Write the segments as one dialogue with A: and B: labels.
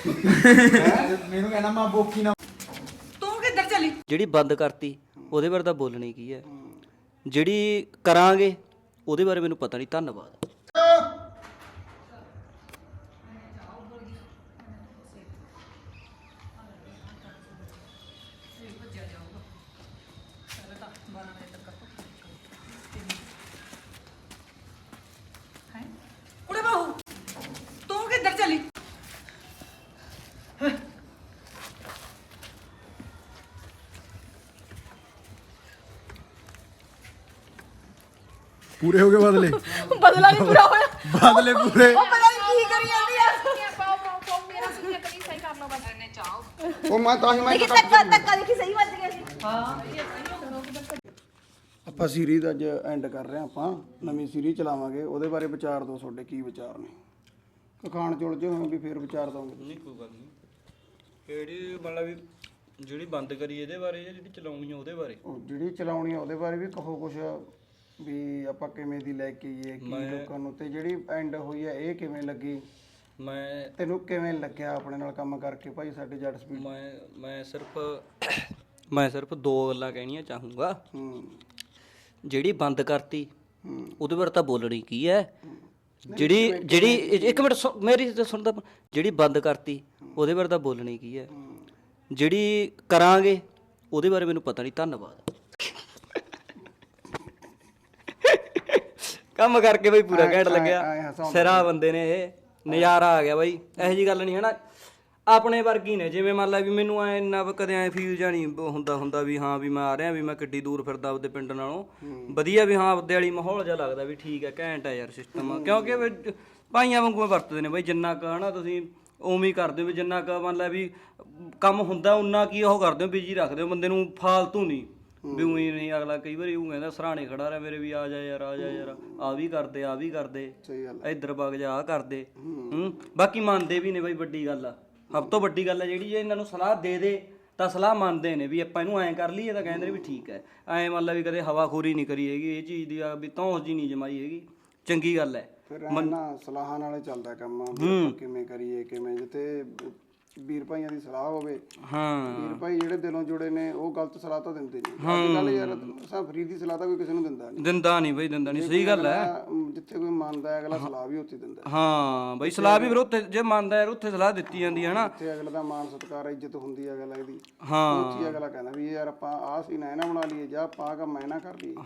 A: ਮੈਨੂੰ ਕਹਿਣਾ ਮੈਂ ਬੋਕੀ ਨਾ
B: ਤੂੰ ਕਿੱਧਰ ਚਲੀ?
C: ਜਿਹੜੀ ਬੰਦ ਕਰਤੀ ਉਹਦੇ ਬਾਰੇ ਤਾਂ ਬੋਲਣੀ ਕੀ ਹੈ, ਜਿਹੜੀ ਕਰਾਂਗੇ ਉਹਦੇ ਬਾਰੇ ਮੈਨੂੰ ਪਤਾ ਨਹੀਂ। ਧੰਨਵਾਦ।
B: ਕੁੜੇ ਬਾਹੂ ਤੂੰ ਕਿੱਧਰ ਚਲੀ?
A: ਪੂਰੇ ਹੋ ਗਏ ਬਦਲੇ
D: ਬਦਲਾ ਨਹੀਂ ਪੂਰਾ ਹੋਇਆ।
A: ਬਦਲੇ ਪੂਰੇ
B: ਉਹ ਪਤਾ ਨਹੀਂ ਕੀ ਕਰੀ ਜਾਂਦੀ ਆ।
D: ਪਾਓ ਮੇਰਾ ਸੁਣਿਆ ਕਰੀ ਸਹੀ ਕਰ ਲਓ ਬਸ ਨੇ ਚਾਹੋ।
A: ਉਹ ਮੈਂ ਤਾਂ ਹੀ
D: ਦੇਖੀ ਤੱਕਾ ਦੇਖੀ ਸਹੀ ਵੱਜ ਗਿਆ ਸੀ।
A: ਆਪਾਂ ਸੀਰੀਜ਼ ਅੱਜ ਐਂਡ ਕਰ ਰਹੇ ਹਾਂ। ਆਪਾਂ ਨਵੀਂ ਸੀਰੀਜ਼ ਚਲਾਵਾਂਗੇ, ਉਹਦੇ ਬਾਰੇ ਵਿਚਾਰ ਦਿਓ, ਤੁਹਾਡੇ ਕੀ ਵਿਚਾਰ ਨੇ? ਕਖਾਣ ਚੁਲ ਜੇ ਹੋਣ ਵੀ ਫੇਰ ਵਿਚਾਰ ਦੋਗੇ?
C: ਨਹੀਂ ਕੋਈ ਗੱਲ ਨਹੀਂ। ਕਿਹੜੀ ਮਤਲਬ ਵੀ ਜਿਹੜੀ ਬੰਦ ਕਰੀ ਇਹਦੇ ਬਾਰੇ ਜਾਂ ਜਿਹੜੀ ਚਲਾਉਣੀ ਆ ਉਹਦੇ ਬਾਰੇ?
A: ਉਹ ਜਿਹੜੀ ਚਲਾਉਣੀ ਆ ਉਹਦੇ ਬਾਰੇ ਵੀ ਕਹੋ ਕੁਛ, ਵੀ ਆਪਾਂ ਕਿਵੇਂ ਦੀ ਲੈ ਕੇ ਆਈਏ ਕੀ ਲੋਕਾਂ ਨੂੰ, ਤੇ ਜਿਹੜੀ ਐਂਡ ਹੋਈ ਆ ਇਹ ਕਿਵੇਂ ਲੱਗੀ? ਤੈਨੂੰ ਕਿਵੇਂ ਲੱਗਿਆ ਆਪਣੇ ਨਾਲ ਕੰਮ ਕਰਕੇ ਭਾਈ ਸਾਡੇ ਜੱਟ ਸਪੀਡ?
C: ਮੈਂ ਸਿਰਫ ਦੋ ਗੱਲਾਂ ਕਹਿਣੀਆਂ ਚਾਹੂੰਗਾ। ਜਿਹੜੀ ਬੰਦ ਕਰਤੀ ਉਹਦੇ ਬਾਰੇ ਤਾਂ ਬੋਲਣੀ ਕੀ ਹੈ, ਜਿਹੜੀ ਇੱਕ ਮਿੰਟ ਮੇਰੀ ਸੁਣਦਾ, ਜਿਹੜੀ ਬੰਦ ਕਰਤੀ ਉਹਦੇ ਬਾਰੇ ਤਾਂ ਬੋਲਣੀ ਕੀ ਹੈ, ਜਿਹੜੀ ਕਰਾਂਗੇ ਉਹਦੇ ਬਾਰੇ ਮੈਨੂੰ ਪਤਾ ਨਹੀਂ। ਧੰਨਵਾਦ। ਕੰਮ ਕਰਕੇ ਬਈ ਪੂਰਾ ਘੈਂਟ ਲੱਗਿਆ, ਸਿਰਾ ਬੰਦੇ ਨੇ ਇਹ, ਨਜ਼ਾਰਾ ਆ ਗਿਆ ਬਾਈ। ਇਹੋ ਜੀ ਗੱਲ ਨਹੀਂ ਹੈ ਨਾ, ਆਪਣੇ ਵਰਗੀ ਨੇ। ਜਿਵੇਂ ਮੰਨ ਲਾ ਵੀ ਮੈਨੂੰ ਐ ਇੰਨਾ ਕਦੇ ਐ ਫੀਲ ਜਾਂ ਨਹੀਂ ਹੁੰਦਾ ਵੀ ਹਾਂ ਵੀ ਮੈਂ ਆ ਰਿਹਾ, ਵੀ ਮੈਂ ਕਿੱਡੀ ਦੂਰ ਫਿਰਦਾ ਆਪਦੇ ਪਿੰਡ ਨਾਲੋਂ ਵਧੀਆ, ਵੀ ਹਾਂ ਆਪਦੇ ਵਾਲੀ ਮਾਹੌਲ ਜਿਹਾ ਲੱਗਦਾ ਵੀ ਠੀਕ ਹੈ, ਘੈਂਟ ਹੈ ਯਾਰ ਸਿਸਟਮ। ਕਿਉਂਕਿ ਭਾਈਆਂ ਵਾਂਗੂ ਵਰਤਦੇ ਨੇ ਬਾਈ, ਜਿੰਨਾ ਕੁ ਹਨਾ ਤੁਸੀਂ ਉਵੇਂ ਹੀ ਕਰਦੇ ਹੋ, ਵੀ ਜਿੰਨਾ ਕੁ ਮੰਨ ਲਾ ਵੀ ਕੰਮ ਹੁੰਦਾ ਉਨਾ ਕੀ ਉਹ ਕਰਦੇ ਹੋ, ਬਿਜੀ ਰੱਖਦੇ ਹੋ ਬੰਦੇ ਨੂੰ, ਫਾਲਤੂ ਨਹੀਂ ਵੀ ਉਹੀ ਨਹੀਂ। ਅਗਲਾ ਕਈ ਵਾਰੀ ਉਹ ਕਹਿੰਦਾ ਸਰਾਣੇ ਖੜਾ ਰਿਹਾ ਮੇਰੇ ਵੀ, ਆ ਜਾ ਯਾਰ ਆ ਵੀ ਕਰਦੇ ਆ ਵੀ ਕਰਦੇ, ਇੱਧਰ ਵਗ ਜਾ ਆ ਕਰਦੇ। ਬਾਕੀ ਮੰਨਦੇ ਵੀ ਨੇ ਬਾਈ, ਵੱਡੀ ਗੱਲ ਆ, ਸਭ ਤੋਂ ਵੱਡੀ ਗੱਲ ਆ ਜਿਹੜੀ, ਜੇ ਇਹਨਾਂ ਨੂੰ ਸਲਾਹ ਦੇ ਤਾਂ ਸਲਾਹ ਮੰਨਦੇ ਨੇ ਵੀ ਆਪਾਂ ਇਹਨੂੰ ਐਂ ਕਰ ਲਈਏ, ਤਾਂ ਕਹਿੰਦੇ ਨੇ ਵੀ ਠੀਕ ਹੈ। ਐਂ ਮੰਨ ਲਾ ਵੀ ਕਦੇ ਹਵਾਖੋਰੀ ਨਹੀਂ ਕਰੀ ਹੈਗੀ ਇਹ ਚੀਜ਼ ਦੀ, ਵੀ ਧੌਂਸ ਜੀ ਨਹੀਂ ਜਮਾਈ ਹੈਗੀ, ਚੰਗੀ ਗੱਲ ਹੈ।
A: ਫਿਰ ਨਾ ਸਲਾਹਾਂ ਨਾਲੇ ਚੱਲਦਾ ਕੰਮ, ਕਿਵੇਂ ਕਰੀਏ ਕਿਵੇਂ, ਜਿੱਥੇ ਵੀਰ ਭਾਈਆਂ ਦੀ ਸਲਾਹ ਹੋਵੇ। ਵੀਰ ਭਾਈ ਜਿਹੜੇ ਦਿਲੋਂ ਜੁੜੇ ਨੇ ਉਹ ਗਲਤ ਸਲਾਹ ਤਾਂ ਦਿੰਦੇ ਨਹੀਂ। ਅੱਜ ਕੱਲ ਯਾਰ ਅਸਾਂ ਫਰੀ ਦੀ ਸਲਾਹ ਤਾਂ ਕੋਈ ਕਿਸੇ ਨੂੰ ਦਿੰਦਾ ਨਹੀਂ ਬਈ, ਦਿੰਦਾ ਨਹੀਂ। ਸਹੀ ਗੱਲ ਹੈ, ਜਿੱਥੇ ਕੋਈ ਮੰਨਦਾ ਅਗਲਾ ਸਲਾਹ ਵੀ ਉੱਥੇ ਦਿੰਦਾ।
C: ਹਾਂ ਬਈ, ਸਲਾਹ ਵੀ ਫਿਰ ਉੱਥੇ ਜੇ ਮੰਨਦਾ ਯਾਰ ਉੱਥੇ ਸਲਾਹ ਦਿੱਤੀ ਜਾਂਦੀ ਹੈ ਨਾ,
A: ਜਿੱਥੇ ਅਗਲੇ ਦਾ ਮਾਣ ਸਤਿਕਾਰ ਇੱਜ਼ਤ ਹੁੰਦੀ ਹੈ ਅਗਲੇ ਦੀ, ਉੱਥੇ ਅਗਲਾ ਕਹਿੰਦਾ ਵੀ ਯਾਰ ਆਪਾਂ ਆਹ ਸੀ ਨਾ ਬਣਾ ਲਈਏ, ਜਾਂ ਆਪਾਂ ਆਹ ਕੰਮ ਨਾ ਕਰ ਲਈਏ।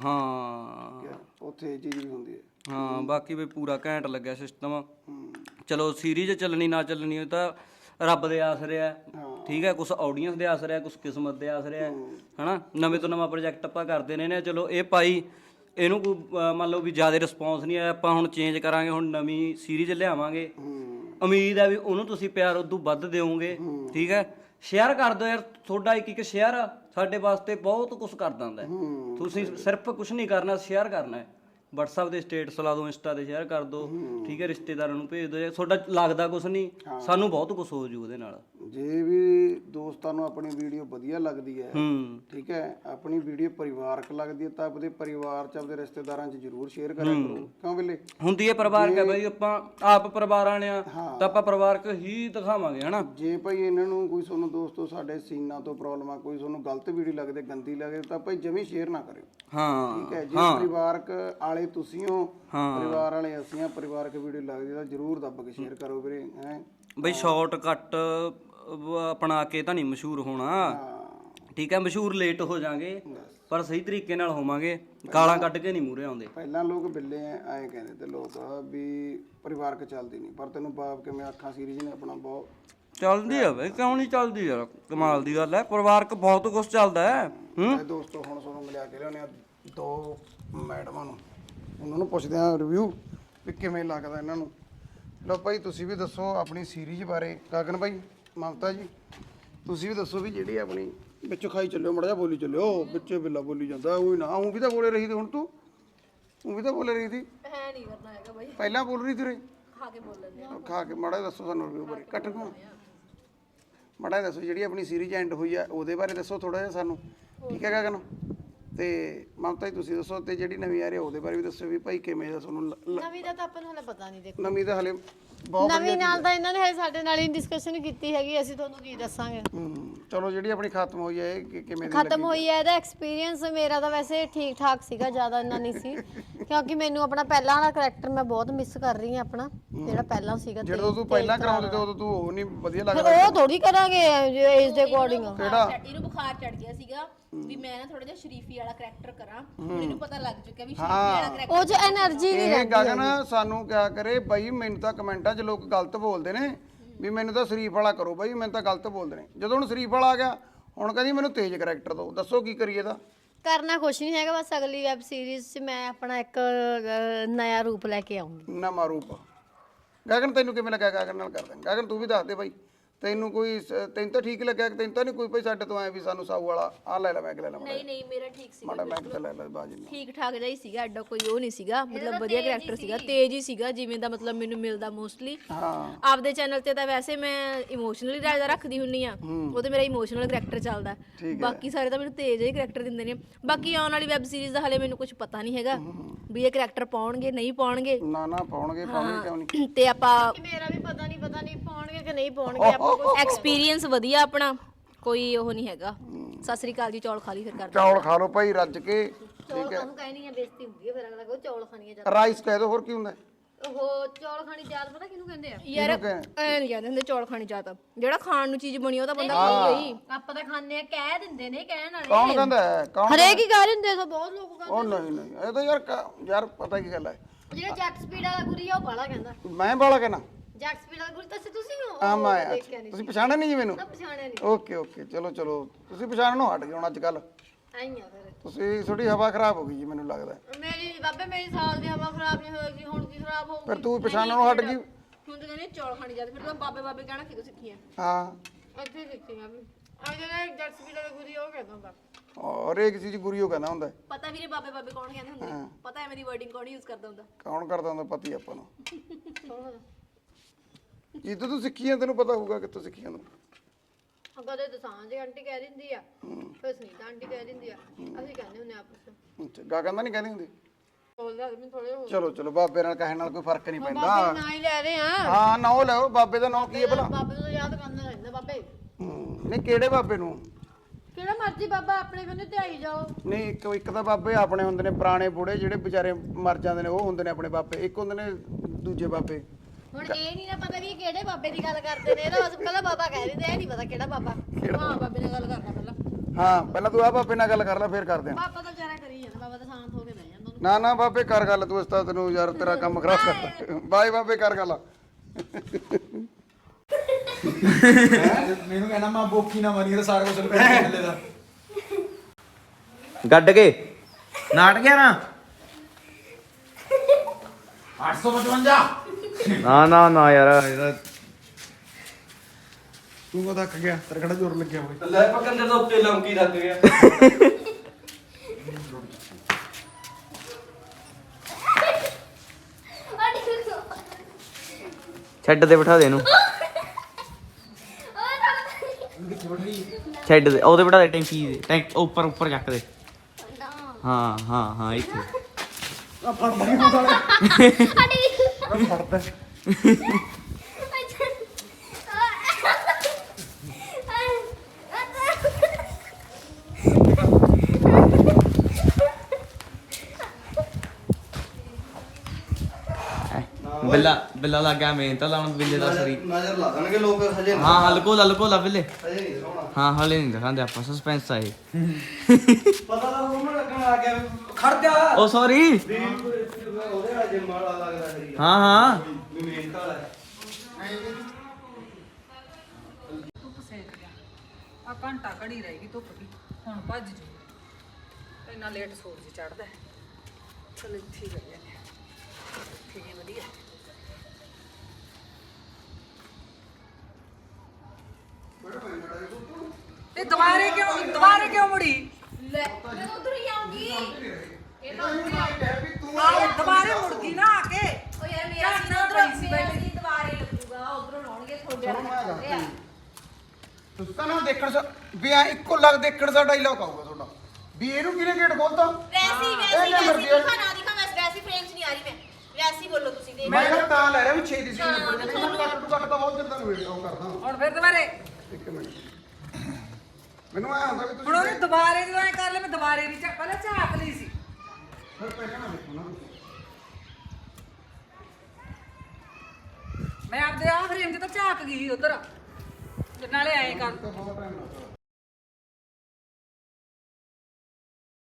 A: ਉੱਥੇ ਇਹ ਚੀਜ਼ ਵੀ ਹੁੰਦੀ ਹੈ।
C: ਹਾਂ ਬਾਕੀ ਬਈ ਪੂਰਾ ਘੈਂਟ ਲੱਗਿਆ ਸਿਸਟਮ। ਚਲੋ ਸੀਰੀਜ਼ ਚੱਲਣੀ ਨਾ ਚੱਲਣੀ ਉਹ ਤਾਂ ਰੱਬ ਦੇ ਆਸਰੇ ਆ, ਠੀਕ ਹੈ, ਕੁਛ ਆਡੀਅנס ਦੇ ਆਸਰੇ ਆ, ਕੁਛ ਕਿਸਮਤ ਦੇ ਆਸਰੇ ਆ, ਹਨਾ। ਨਵੇਂ ਤੋਂ ਨਵਾਂ ਪ੍ਰੋਜੈਕਟ ਆਪਾਂ ਕਰਦੇ ਨੇ। ਚਲੋ ਇਹ ਪਾਈ, ਇਹਨੂੰ ਕੋਈ ਮੰਨ ਲਓ ਵੀ ਜ਼ਿਆਦਾ ਰਿਸਪੌਂਸ ਨਹੀਂ ਆਇਆ, ਆਪਾਂ ਹੁਣ ਚੇਂਜ ਕਰਾਂਗੇ, ਹੁਣ ਨਵੀਂ ਸੀਰੀਜ਼ ਲਿਆਵਾਂਗੇ। ਉਮੀਦ ਹੈ ਵੀ ਉਹਨੂੰ ਤੁਸੀਂ ਪਿਆਰ ਉਦੋਂ ਵੱਧ ਦਿਓਗੇ, ਠੀਕ ਹੈ। ਸ਼ੇਅਰ ਕਰ ਦਿਓ ਯਾਰ, ਤੁਹਾਡਾ ਇੱਕ ਸ਼ੇਅਰ ਸਾਡੇ ਵਾਸਤੇ ਬਹੁਤ ਕੁਛ ਕਰ ਦਿੰਦਾ। ਤੁਸੀਂ ਸਿਰਫ ਕੁਛ ਨਹੀਂ ਕਰਨਾ, ਸ਼ੇਅਰ ਕਰਨਾ ਹੈ। WhatsApp ਦੇ ਸਟੇਟਸ ਲਾ ਦਿਓ, ਇੰਸਟਾ ਤੇ ਸ਼ੇਅਰ ਕਰ ਦਿਓ, ਠੀਕ ਹੈ, ਰਿਸ਼ਤੇਦਾਰਾਂ ਨੂੰ ਭੇਜ ਦਿਓ। ਤੁਹਾਡਾ ਲੱਗਦਾ ਕੁਛ ਨਹੀਂ, ਸਾਨੂੰ ਬਹੁਤ ਕੁਛ ਹੋ ਜੂ ਉਹਦੇ ਨਾਲ।
A: ਜੇ ਵੀ ਦੋਸਤਾਂ ਨੂੰ ਆਪਣੀ ਵੀਡੀਓ ਵਧੀਆ ਲੱਗਦੀ ਹੈ, ਠੀਕ ਹੈ, ਆਪਣੀ ਵੀਡੀਓ ਪਰਿਵਾਰਕ ਲੱਗਦੀ ਹੈ, ਤਾਂ ਆਪਣੇ ਪਰਿਵਾਰ ਚ ਆਪਣੇ ਰਿਸ਼ਤੇਦਾਰਾਂ ਚ ਜ਼ਰੂਰ ਸ਼ੇਅਰ ਕਰਿਆ ਕਰੋ। ਕਿਉਂ ਵੇਲੇ
C: ਹੁੰਦੀ ਹੈ ਪਰਿਵਾਰਕ ਹੈ ਬਾਈ, ਆਪਾਂ ਆਪ ਪਰਿਵਾਰ ਵਾਲੇ ਆ ਤਾਂ ਆਪਾਂ ਪਰਿਵਾਰਕ ਹੀ ਦਿਖਾਵਾਂਗੇ, ਹਨਾ।
A: ਜੇ ਭਾਈ ਇਹਨਾਂ ਨੂੰ ਕੋਈ ਤੁਹਾਨੂੰ ਦੋਸਤੋ ਸਾਡੇ ਸੀਨਾ ਤੋਂ ਪ੍ਰੋਬਲਮ ਆ, ਕੋਈ ਤੁਹਾਨੂੰ ਗਲਤ ਵੀਡੀਓ ਲੱਗਦੇ, ਗੰਦੀ ਲੱਗਦੇ, ਤਾਂ ਭਾਈ ਜਮੀ ਸ਼ੇਅਰ ਨਾ ਕਰਿਓ, ਠੀਕ ਹੈ। ਜੇ ਪਰਿਵਾਰਕ ਆਲੇ ਤੁਸੀਂ ਹੋ, ਪਰਿਵਾਰ ਵਾਲੇ ਅਸੀਂ ਆ, ਪਰਿਵਾਰਕ ਵੀਡੀਓ ਲੱਗਦੀ ਤਾਂ ਜ਼ਰੂਰ ਦੱਬ ਕੇ ਸ਼ੇਅਰ ਕਰੋ ਵੀਰੇ, ਹੈ
C: ਬਈ। ਸ਼ਾਰਟਕਟ ਅਪਣਾ ਕੇ ਤਾਂ ਨਹੀਂ ਮਸ਼ਹੂਰ ਹੋਣਾ, ਠੀਕ ਹੈ। ਮਸ਼ਹੂਰ ਲੇਟ ਹੋ ਜਾਾਂਗੇ ਪਰ ਸਹੀ ਤਰੀਕੇ ਨਾਲ ਹੋਵਾਂਗੇ, ਗਾਲਾਂ ਕੱਢ ਕੇ ਨਹੀਂ ਮੂਹਰੇ ਆਉਂਦੇ।
A: ਪਹਿਲਾਂ ਲੋਕ ਬਿੱਲੇ ਐਂ ਕਹਿੰਦੇ ਤੇ ਲੋਕ ਵੀ ਪਰਿਵਾਰਕ ਚੱਲਦੀ ਨਹੀਂ, ਪਰ ਤੈਨੂੰ ਬਾਪ ਕਿਵੇਂ ਅੱਖਾਂ ਸੀਰੀਜ਼ ਨੇ ਆਪਣਾ ਬਹੁਤ
C: ਚੱਲਦੀ ਆ ਬਈ, ਕਿਉਂ ਨਹੀਂ ਚੱਲਦੀ ਯਾਰ, ਕਮਾਲ ਦੀ ਗੱਲ ਹੈ। ਪਰਿਵਾਰਕ ਬਹੁਤ ਕੁਛ ਚੱਲਦਾ ਹੈ।
A: ਦੋਸਤੋ ਹੁਣ ਤੁਹਾਨੂੰ ਮਿਲਿਆ ਕੇ ਲਿਆਉਂਦੇ ਆ ਦੋ ਮੈਡਮਾਂ ਨੂੰ, ਉਹਨਾਂ ਨੂੰ ਪੁੱਛਦੇ ਆ ਰਿਵਿਊ ਵੀ ਕਿਵੇਂ ਲੱਗਦਾ ਇਹਨਾਂ ਨੂੰ। ਲਓ ਭਾਈ ਤੁਸੀਂ ਵੀ ਦੱਸੋ ਆਪਣੀ ਸੀਰੀਜ਼ ਬਾਰੇ। ਗਗਨ ਭਾਈ, ਮਮਤਾ ਜੀ, ਤੁਸੀਂ ਵੀ ਦੱਸੋ ਵੀ ਜਿਹੜੀ ਆਪਣੀ ਵਿੱਚੋਂ ਖਾਈ ਚੱਲਿਓ, ਮੜਾ ਜਿਹਾ ਬੋਲੀ ਚੱਲਿਓ, ਵਿੱਚੋਂ ਬਿੱਲਾ ਬੋਲੀ ਜਾਂਦਾ, ਉਹ ਨਾ ਉਹ ਵੀ ਤਾਂ ਬੋਲੇ ਰਹੀ ਤੇ ਹੁਣ ਤੂੰ ਵੀ ਤਾਂ ਬੋਲੇ ਰਹੀ ਸੀ,
D: ਹੈ ਨਹੀਂ ਕਰਨਾ ਹੈਗਾ ਬਾਈ,
A: ਪਹਿਲਾਂ ਬੋਲ ਰਹੀ ਤੇਰੇ
D: ਖਾ ਕੇ ਬੋਲ ਲੈਂਦੇ ਆ।
A: ਖਾ ਕੇ ਮੜਾ ਦੱਸੋ ਸਾਨੂੰ ਰਿਵਿਊ ਬਾਰੇ, ਕੱਟ ਕੋ ਮੜਾ ਦੱਸੋ ਜਿਹੜੀ ਆਪਣੀ ਸੀਰੀਜ਼ ਐਂਡ ਹੋਈ ਆ ਉਹਦੇ ਬਾਰੇ ਦੱਸੋ ਥੋੜਾ ਜਿਹਾ ਸਾਨੂੰ, ਠੀਕ ਹੈ ਗਗਨ? ਤੇ ਮਮਤਾ ਜੀ ਤੁਸੀਂ ਦੱਸੋ, ਤੇ ਜਿਹੜੀ ਨਵੀਂ ਆ ਰਹੀ ਆ ਉਹਦੇ ਬਾਰੇ ਵੀ ਦੱਸੋ ਵੀ ਭਾਈ ਕਿਵੇਂ ਦਾ ਤੁਹਾਨੂੰ
E: ਨਵੀਂ ਦਾ ਤਾਂ ਆਪਾਂ ਨੂੰ ਹਲੇ ਪਤਾ ਨਹੀਂ। ਦੇਖੋ
A: ਨਵੀਂ ਤਾਂ ਹਲੇ ਬਹੁਤ
E: ਨਵੀਂ ਨਾਲ ਤਾਂ ਇਹਨਾਂ ਨੇ ਹਜੇ ਸਾਡੇ ਨਾਲ ਹੀ ਡਿਸਕਸ਼ਨ ਕੀਤੀ ਹੈਗੀ, ਅਸੀਂ ਤੁਹਾਨੂੰ ਕੀ ਦੱਸਾਂਗੇ।
A: ਚਲੋ ਜਿਹੜੀ ਆਪਣੀ ਖਤਮ ਹੋਈ ਹੈ ਇਹ ਕਿਵੇਂ ਦੀ
E: ਖਤਮ ਹੋਈ ਹੈ, ਇਹਦਾ ਐਕਸਪੀਰੀਅੰਸ ਮੇਰਾ ਤਾਂ ਵੈਸੇ ਠੀਕ ਠਾਕ ਸੀਗਾ, ਜ਼ਿਆਦਾ ਇੰਨਾ ਨਹੀਂ ਸੀ ਕਿਉਂਕਿ ਮੈਨੂੰ ਆਪਣਾ ਪਹਿਲਾਂ ਵਾਲਾ ਕਰੈਕਟਰ ਮੈਂ ਬਹੁਤ ਮਿਸ ਕਰ ਰਹੀ ਹਾਂ, ਆਪਣਾ ਜਿਹੜਾ ਪਹਿਲਾਂ ਸੀਗਾ।
A: ਜਦੋਂ ਤੂੰ ਪਹਿਲਾਂ ਕਰਾਉਂਦੇ ਤੇ ਉਦੋਂ ਤੂੰ ਉਹ ਨਹੀਂ ਵਧੀਆ
E: ਫਿਰ
A: ਲੱਗਦਾ।
E: ਉਹ ਥੋੜੀ ਕਰਾਂਗੇ ਏਜ ਦੇ ਅਕੋਰਡਿੰਗ।
D: ਇਹਨੂੰ ਬੁਖਾਰ ਚੜ ਗਿਆ ਸੀਗਾ ਵੀ ਮੈਂ ਨਾ ਥੋੜਾ ਜਿਹਾ ਸ਼ਰੀਫੀ ਵਾਲਾ ਕਰੈਕਟਰ ਕਰਾਂ, ਹੁਣ ਇਹਨੂੰ ਪਤਾ ਲੱਗ ਚੁੱਕਿਆ ਵੀ ਸ਼ਰੀਫੀ ਵਾਲਾ ਕਰੈਕਟਰ
E: ਉਹ 'ਚ એનર્ਜੀ ਨਹੀਂ
A: ਇਹ
E: ਰਹਿੰਦੀ।
A: ਗਗਨ ਸਾਨੂੰ ਕਿਆ ਕਰੇ ਬਈ, ਮੈਨੂੰ ਤਾਂ ਕਮੈਂਟਾਂ 'ਚ ਲੋਕ ਗਲਤ ਬੋਲਦੇ ਨੇ ਵੀ ਮੈਨੂੰ ਤਾਂ ਸ਼ਰੀਫ ਵਾਲਾ ਕਰੋ ਬਈ, ਮੈਨੂੰ ਤਾਂ ਗਲਤ ਬੋਲਦੇ ਨੇ। ਜਦੋਂ ਹੁਣ ਸ਼ਰੀਫ ਵਾਲਾ ਆ ਗਿਆ, ਹੁਣ ਕਹਿੰਦੀ ਮੈਨੂੰ ਤੇਜ਼ ਕਰੈਕਟਰ ਦਿਓ, ਦੱਸੋ ਕੀ ਕਰੀਏ ਦਾ।
E: ਕਰਨਾ ਕੁਛ ਨਹੀਂ ਹੈਗਾ, ਬਸ ਅਗਲੀ ਵੈਬ ਸੀਰੀਜ਼ 'ਚ ਮੈਂ ਆਪਣਾ ਇੱਕ ਨਵਾਂ ਰੂਪ ਲੈ ਕੇ ਆਉਂਗੀ।
A: ਨਵਾਂ ਰੂਪ। ਗਗਨ ਤੈਨੂੰ ਕਿਵੇਂ ਲੱਗਾ? ਗਗਨ ਨਾਲ ਕਰ ਦਾਂਗੇ। ਗਗਨ ਤੂੰ ਵੀ ਦੱਸ ਦੇ ਬਾਈ, ਤੈਨੂੰ ਕੋਈ ਤੈਨੂੰ ਤਾਂ ਠੀਕ ਲੱਗਿਆ ਕਿ ਤੈਨੂੰ ਤਾਂ ਨਹੀਂ ਕੋਈ ਭਾਈ ਸਾਡੇ ਤੋਂ ਆਏ ਵੀ ਸਾਨੂੰ ਸਾਊ ਵਾਲਾ ਆ ਲੈ ਲੈ, ਮੈਂ ਲੈ ਲਾ
D: ਨਹੀਂ ਮੇਰਾ ਠੀਕ ਸੀ,
A: ਮਾੜਾ ਮੈਂ ਤਾਂ ਲੈ ਲੈ ਬਾਜੀ ਨੂੰ।
D: ਠੀਕ ਠਾਕ ਜਿਹਾ ਹੀ ਸੀਗਾ, ਐਡਾ ਕੋਈ ਉਹ ਨਹੀਂ ਸੀਗਾ, ਮਤਲਬ ਵਧੀਆ ਕਰੈਕਟਰ ਸੀਗਾ, ਤੇਜ਼ ਹੀ ਸੀਗਾ ਜਿਵੇਂ ਦਾ ਮਤਲਬ ਮੈਨੂੰ ਮਿਲਦਾ ਮੋਸਟਲੀ।
A: ਹਾਂ
D: ਆਪਦੇ ਚੈਨਲ ਤੇ ਤਾਂ ਵੈਸੇ ਮੈਂ ਇਮੋਸ਼ਨਲੀ ਜ਼ਿਆਦਾ ਰੱਖਦੀ ਹੁੰਨੀ ਆ, ਉਹ ਤੇ ਮੇਰਾ ਇਮੋਸ਼ਨਲ ਕਰੈਕਟਰ ਚੱਲਦਾ, ਬਾਕੀ ਸਾਰੇ ਤਾਂ ਮੈਨੂੰ ਤੇਜ਼ ਹੀ ਕਰੈਕਟਰ ਦਿੰਦੇ ਨੇ। ਬਾਕੀ ਆਉਣ ਵਾਲੀ ਵੈਬ ਸੀਰੀਜ਼ ਦਾ ਹਲੇ ਮੈਨੂੰ ਕੁਝ ਪਤਾ ਨਹੀਂ ਹੈਗਾ ਵੀ ਇਹ ਕਰੈਕਟਰ ਪਾਉਣਗੇ ਨਹੀਂ ਪਾਉਣਗੇ।
A: ਨਾ ਪਾਉਣਗੇ ਕਿਉਂ ਨਹੀਂ।
D: ਤੇ ਆਪਾਂ
E: ਮੇਰਾ ਵੀ ਪਤਾ ਨਹੀਂ ਪਾਉਣਗੇ ਕਿ ਨਹੀਂ ਪਾਉਣਗੇ। ਆਪਾਂ ਕੁਛ
D: ਐਕਸਪੀਰੀਅੰਸ ਵਧੀਆ ਆਪਣਾ, ਕੋਈ ਉਹ ਨਹੀਂ ਹੈਗਾ। ਸਤਿ ਸ੍ਰੀ ਅਕਾਲ ਜੀ, ਚੌਲ ਖਾ ਲਈ ਫਿਰ ਕਰਦੇ
A: ਚੌਲ ਖਾ ਲਓ ਭਾਈ ਰੱਜ ਕੇ,
E: ਚੌਲ ਤੁਹਾਨੂੰ ਕਹਿਣੀ ਆ ਬੇਇੱਜ਼ਤੀ ਹੁੰਦੀ ਹੈ, ਫਿਰ ਅਗਲਾ ਕਹੋ ਚੌਲ ਖਾਣੀ ਆ ਜਾ।
A: ਰਾਈਸ ਕਹਿ ਦੋ, ਹੋਰ ਕੀ ਹੁੰਦਾ?
E: ਉਹ ਚੌਲ ਖਾਣੀ ਯਾਦ ਪਤਾ ਕਿਹਨੂੰ ਕਹਿੰਦੇ ਆ?
D: ਯਾਰ ਐ ਨਹੀਂ ਕਹਿੰਦੇ ਹੁੰਦੇ ਚੌਲ ਖਾਣੀ ਜ਼ਿਆਦਾ, ਜਿਹੜਾ ਖਾਣ ਨੂੰ ਚੀਜ਼ ਬਣੀ ਉਹ ਤਾਂ ਬੰਦਾ ਖਾਊਗਾ ਹੀ।
E: ਆਪਾਂ ਤਾਂ ਖਾਣੇ ਆ, ਕਹਿ ਦਿੰਦੇ ਨੇ ਕਹਿਣ ਵਾਲੇ।
A: ਕੌਣ ਕਹਿੰਦਾ ਹੈ? ਕੌਣ?
E: ਹਰੇਕ ਹੀ ਕਹਿ ਦਿੰਦੇ ਸੋ, ਬਹੁਤ ਲੋਕ ਕਹਿੰਦੇ।
A: ਉਹ ਨਹੀਂ ਇਹ ਤਾਂ ਯਾਰ ਪਤਾ ਕੀ ਗੱਲ ਹੈ,
E: ਜਿਹੜਾ ਜੱਟ ਸਪੀਡ ਵਾਲਾ ਗੁਰੀ ਆ ਉਹ ਬਾਲਾ ਕਹਿੰਦਾ।
A: ਮੈਂ ਬਾਲਾ ਕਹਿਣਾ
E: ਜੱਟ ਸਪੀਡ ਵਾਲਾ ਗੁਰੀ ਤਾਂ ਤੁਸੀਂ ਹੋ।
A: ਆ ਮੈਂ
E: ਦੇਖਿਆ ਨਹੀਂ,
A: ਤੁਸੀਂ ਪਛਾਣਿਆ ਨਹੀਂ ਜੀ ਮੈਨੂੰ?
E: ਨਾ ਪਛਾਣਿਆ ਨਹੀਂ।
A: ਓਕੇ ਚਲੋ ਤੁਸੀਂ ਪਛਾਣਨੋਂ ਹਟ ਗਏ ਹੁਣ ਅੱਜ ਕੱਲ।
E: ਆਈਆਂ ਫਿਰ
A: ਤੁਸੀਂ ਥੋੜੀ ਹਵਾ ਖਰਾਬ ਹੋ ਗਈ ਜੀ ਮੈਨੂੰ ਲੱਗਦਾ।
E: ਮੇਰੀ ਬਾਬੇ ਮੇਰੀ ਸਾਲ ਦੀ ਹਵਾ ਖਰਾਬ ਨਹੀਂ ਹੋਏਗੀ, ਹੁਣ ਕੀ ਖਰਾਬ ਹੋਊਗੀ?
A: ਫਿਰ ਤੂੰ ਪਛਾਣਨੋਂ ਹਟ ਗਈ।
D: ਹੁਣ ਤਾਂ ਕਹਿੰਦੇ ਚੌਲ ਖਾਣੀ ਜ਼ਿਆਦਾ, ਫਿਰ ਤਾਂ ਬਾਬੇ ਬਾਬੇ ਕਹਿਣਾ ਕਿਦੋਂ ਸਿੱਖੀਆਂ।
A: ਹਾਂ
E: ਇੱਥੇ ਹੀ ਸਿੱਖੀ ਮੈਂ ਵੀ। ਆ ਜਿਹੜਾ ਜੱਟ ਸਪੀਡ ਵਾਲਾ ਗੁਰੀ ਉਹ ਕਹਿੰਦਾ ਹੁੰਦਾ।
A: ਔਰ ਇੱਕ ਚੀਜ਼ ਗੁਰੀਓ ਕਹਿੰਦਾ ਹੁੰਦਾ।
D: ਪਤਾ ਵੀਰੇ ਬਾਬੇ ਬਾਬੇ ਕੌਣ ਕਹਿੰਦੇ ਹੁੰਦੇ ਨੇ? ਪਤਾ ਐਵੇਂ ਦੀ ਵਰਡਿੰਗ ਕੌਣ ਯੂਜ਼ ਕਰਦਾ ਹੁੰਦਾ?
A: ਕੌਣ ਕਰਦਾ ਹੁੰਦਾ ਪਤੀ ਆਪਾਂ ਨੂੰ। ਜਿੱਦੋਂ ਤੂੰ ਸਿੱਖੀ ਆ ਤੈਨੂੰ ਪਤਾ ਹੋਊਗਾ ਕਿੱਥੋਂ ਸਿੱਖੀ ਆ ਤੂੰ।
E: ਕਦੇ ਦਸਾਂਝ ਆਂਟੀ ਕਹਿ ਦਿੰਦੀ ਆ, ਫਿਰ ਸੁਨੀਤਾ ਆਂਟੀ ਕਹਿ ਦਿੰਦੀ ਆ, ਅਸੀਂ ਕਹਿੰਦੇ ਹੁੰਦੇ ਆਪਸ ਵਿੱਚ।
A: ਅੱਛਾ ਗਾਗਨ ਤਾਂ ਨਹੀਂ ਕਹਿੰਦੀ ਹੁੰਦੀ।
E: ਬੋਲਦਾ ਮੈਂ ਥੋੜੇ ਹੋ
A: ਚਲੋ ਬਾਬੇ ਨਾਲ ਕਹਿਣ ਨਾਲ ਕੋਈ ਫਰਕ ਨਹੀਂ ਪੈਂਦਾ।
E: ਬਾਬੇ ਨਾਂ ਹੀ ਲੈ ਰਹੇ ਆ।
A: ਹਾਂ ਨਾਂ ਲਓ, ਬਾਬੇ ਦਾ ਨਾਂ ਕੀ ਹੈ ਭਲਾ?
E: ਬਾਬੇ ਨੂੰ ਯਾਦ ਕਰਨਾ ਰਹਿੰਦਾ ਬਾਬੇ।
A: ਨਹੀਂ ਕਿਹੜੇ ਬਾਬੇ ਨੂੰ?
E: ਕਿਹੜਾ ਮਰਜ਼ੀ ਬਾਬਾ ਆਪਣੇ ਬੰਦੇ ਤੇ ਆਈ ਜਾਓ।
A: ਨਹੀਂ ਇੱਕ ਤਾਂ ਬਾਬੇ ਆਪਣੇ ਹੁੰਦੇ ਨੇ ਪੁਰਾਣੇ ਬੁੜੇ ਜਿਹੜੇ ਵਿਚਾਰੇ ਮਰ ਜਾਂਦੇ ਨੇ, ਉਹ ਹੁੰਦੇ ਨੇ ਆਪਣੇ ਬਾਬੇ। ਇੱਕ ਹੁੰਦੇ ਨੇ ਦੂਜੇ ਬਾਬੇ।
E: ਹੁਣ ਇਹ ਨਹੀਂ ਨਾ ਪਤਾ ਵੀ ਇਹ ਕਿਹੜੇ ਬਾਬੇ ਦੀ ਗੱਲ ਕਰਦੇ ਨੇ, ਇਹਦਾ ਬਸ ਪਹਿਲਾਂ ਬਾਬਾ ਕਹਿ ਦਿੰਦੇ, ਇਹ ਨਹੀਂ ਪਤਾ ਕਿਹੜਾ ਬਾਬਾ।
D: ਹਾਂ ਬਾਬੇ ਨਾਲ ਗੱਲ ਕਰਨਾ ਪਹਿਲਾਂ।
A: ਹਾਂ ਪਹਿਲਾਂ ਤੂੰ ਆ ਬਾਬੇ ਨਾਲ ਗੱਲ ਕਰ ਲੈ, ਫਿਰ ਕਰਦੇ ਆ।
E: ਬਾਬਾ ਤਾਂ ਵਿਚਾਰਾ ਕਰੀ ਜਾਂਦਾ, ਬਾਬਾ ਤਾਂ ਸ਼ਾਂਤ ਹੋ ਕੇ ਬਹਿ ਜਾਂਦਾ।
A: ਨਾ ਬਾਬੇ ਕਰ ਗੱਲ ਤੂੰ, ਇਸ ਤਾਂ ਤੈਨੂੰ ਯਾਰ ਤੇਰਾ ਕੰਮ ਖਰਾਬ ਕਰਤਾ। ਬਾਏ ਬਾਬੇ ਕਰ ਗੱਲ।
F: ਮੈਨੂੰ ਕਹਿੰਦਾ ਮੈਂ ਬੋਕੀ ਨਾ ਮਾਰੀ ਤਾਂ ਸਾਰਾ ਕੁਝ ਥੱਲੇ ਦਾ
C: ਗੱਡ ਕੇ
F: ਨਾਟ ਗਿਆ ਨਾ 855।
C: ਨਾ ਯਾਰ ਇਹਦਾ
A: ਤੂੰ ਕੋ ਥੱਕ ਗਿਆ? ਤੇਰਾ ਕਿਹੜਾ ਜ਼ੋਰ ਲੱਗਿਆ ਹੋਵੇ?
C: ਲੈ ਪੱਕਣ ਦੇ ਤਾਂ ਉੱਤੇ ਲੰਕੀ ਲੱਗ ਗਿਆ। ਛੱਡ ਤੇ ਬਿਠਾ ਦੇ ਇਹਨੂੰ, ਛੱਡ ਦੇ ਉਹਦੇ ਬਿਠਾ ਦੇ, ਟੈਂਕੀ ਦੇ ਟੈਂਕ ਉੱਪਰ ਚੱਕ ਦੇ। ਹਾਂ ਇੱਥੇ
A: ਆ ਫੜ ਬਣੀ ਹੁਣ ਸਾਲੇ ਫੜਦਾ।
C: ਬਿੱਲਾ ਲੱਗ ਗਿਆ ਮਿਹਨਤ ਲਾਉਣ ਬਿੱਲੇ ਦਾ ਸਰੀ।
A: ਨਜ਼ਰ ਲਾ ਦੇਣਗੇ ਲੋਕ ਹਜੇ।
C: ਹਾਂ ਲਕੋ ਲਾ ਬਿੱਲੇ।
A: ਹਜੇ ਨਹੀਂ ਸੋਣਾ।
C: ਹਾਂ ਹਲੇ ਨਹੀਂ ਦਿਖਾਉਂਦੇ ਆਪਾਂ, ਸਸਪੈਂਸ ਆ ਇਹ।
A: ਪਤਾ ਤਾਂ ਉਹਨੂੰ ਲੱਗਣ ਆ ਗਿਆ ਖੜ ਜਾ।
C: ਉਹ ਸੌਰੀ।
A: ਉਹਦੇ ਵਾਲਾ ਜਿੰਮ ਵਾਲਾ ਲੱਗਦਾ ਸਰੀਰ।
C: ਹਾਂ
A: ਵੀ ਮਿਹਨਤ ਵਾਲਾ ਹੈ।
B: ਧੁੱਪ ਸੇਕ ਗਿਆ ਆ, ਘੰਟਾ ਘੜੀ ਰਹੇਗੀ ਧੁੱਪ ਵੀ, ਹੁਣ ਭੱਜ ਜੂ। ਇੰਨਾ ਲੇਟ ਸੂਰਜ ਚੜਦਾ। ਚਲ ਇੱਥੇ ਹੀ ਰਹਿ ਜਾਂਦੇ ਆ, ਠੀਕ ਹੈ ਵਧੀਆ। ਤੇ ਦੁਬਾਰੇ ਕਿਉਂ ਮੁੜੀ?
D: ਲੈ ਮੈਂ ਉਧਰ ਹੀ ਆਉਂਗੀ। ਇਹ ਤਾਂ
B: ਆ ਦੁਬਾਰੇ ਮੁੜ ਗਈ ਨਾ ਆ ਕੇ।
D: ਉਹ ਯਾਰ ਮੇਰਾ ਸੀ ਨਾ ਉਧਰ ਸੀ, ਦੁਬਾਰੇ ਲੱਗੂਗਾ, ਉਧਰੋਂ ਲਾਉਣਗੇ ਤੁਹਾਡੇ ਵਾਲੇ ਆ।
A: ਤੁਸੀਂ ਤਾਂ ਨਾ ਦੇਖਣ ਵੀ ਆ ਇੱਕੋ ਲੱਗ ਦੇਖਣ ਦਾ ਡਾਇਲੌਗ ਆਊਗਾ ਤੁਹਾਡਾ। ਵੀ ਇਹਨੂੰ ਕਿਹਨੇ ਗੇਟ ਖੋਲਤਾ
D: ਵੈਸੀ
A: ਇਹ ਲੈ ਮਰਦੀ ਆ।
D: ਦਿਖਾ ਨਾ ਦਿਖਾ ਮੈਂ ਵੈਸੀ ਫਰੇਮ 'ਚ ਨਹੀਂ ਆ ਰਹੀ ਮੈਂ ਵੈਸੀ ਬੋਲੋ ਤੁਸੀਂ ਦੇਖ
A: ਮੈਂ ਕਿਹਾ ਤਾਂ ਲੈ ਰਿਹਾ ਵੀ 6 ਦੀ ਸੀ ਮੈਂ ਕੱਟ ਤਾਂ ਬਹੁਤ ਜਲਦਾ ਨੂੰ ਵੇਟ ਕਰਦਾ
B: ਹੁਣ ਫਿਰ ਦੁਬਾਰੇ
A: ਇੱਕ ਮਿੰਟ ਮੈਨੂੰ ਐ ਹੁੰਦਾ ਵੀ
B: ਹੁਣ
A: ਤੁਸੀਂ
B: ਉਹਨੇ ਦੁਬਾਰੇ ਜਦੋਂ ਐ ਕਰ ਲਿਆ ਮੈਂ ਦੁਬਾਰੇ ਵੀ ਪਹਿਲਾਂ ਝਾਕ ਲਈ ਸੀ
A: ਫਿਰ ਪਹਿਲਾਂ ਨਾ ਦੇਖੋ ਨਾ
B: ਮੈਂ ਆਪਦੇ ਆ ਫਰੇਮ 'ਚ ਤਾਂ ਝਾਕ ਗਈ ਉਧਰ ਨਾਲੇ ਐਂ ਕਰ
A: ਤਾਂ ਬਹੁਤ ਟਾਈਮ ਲੱਗਦਾ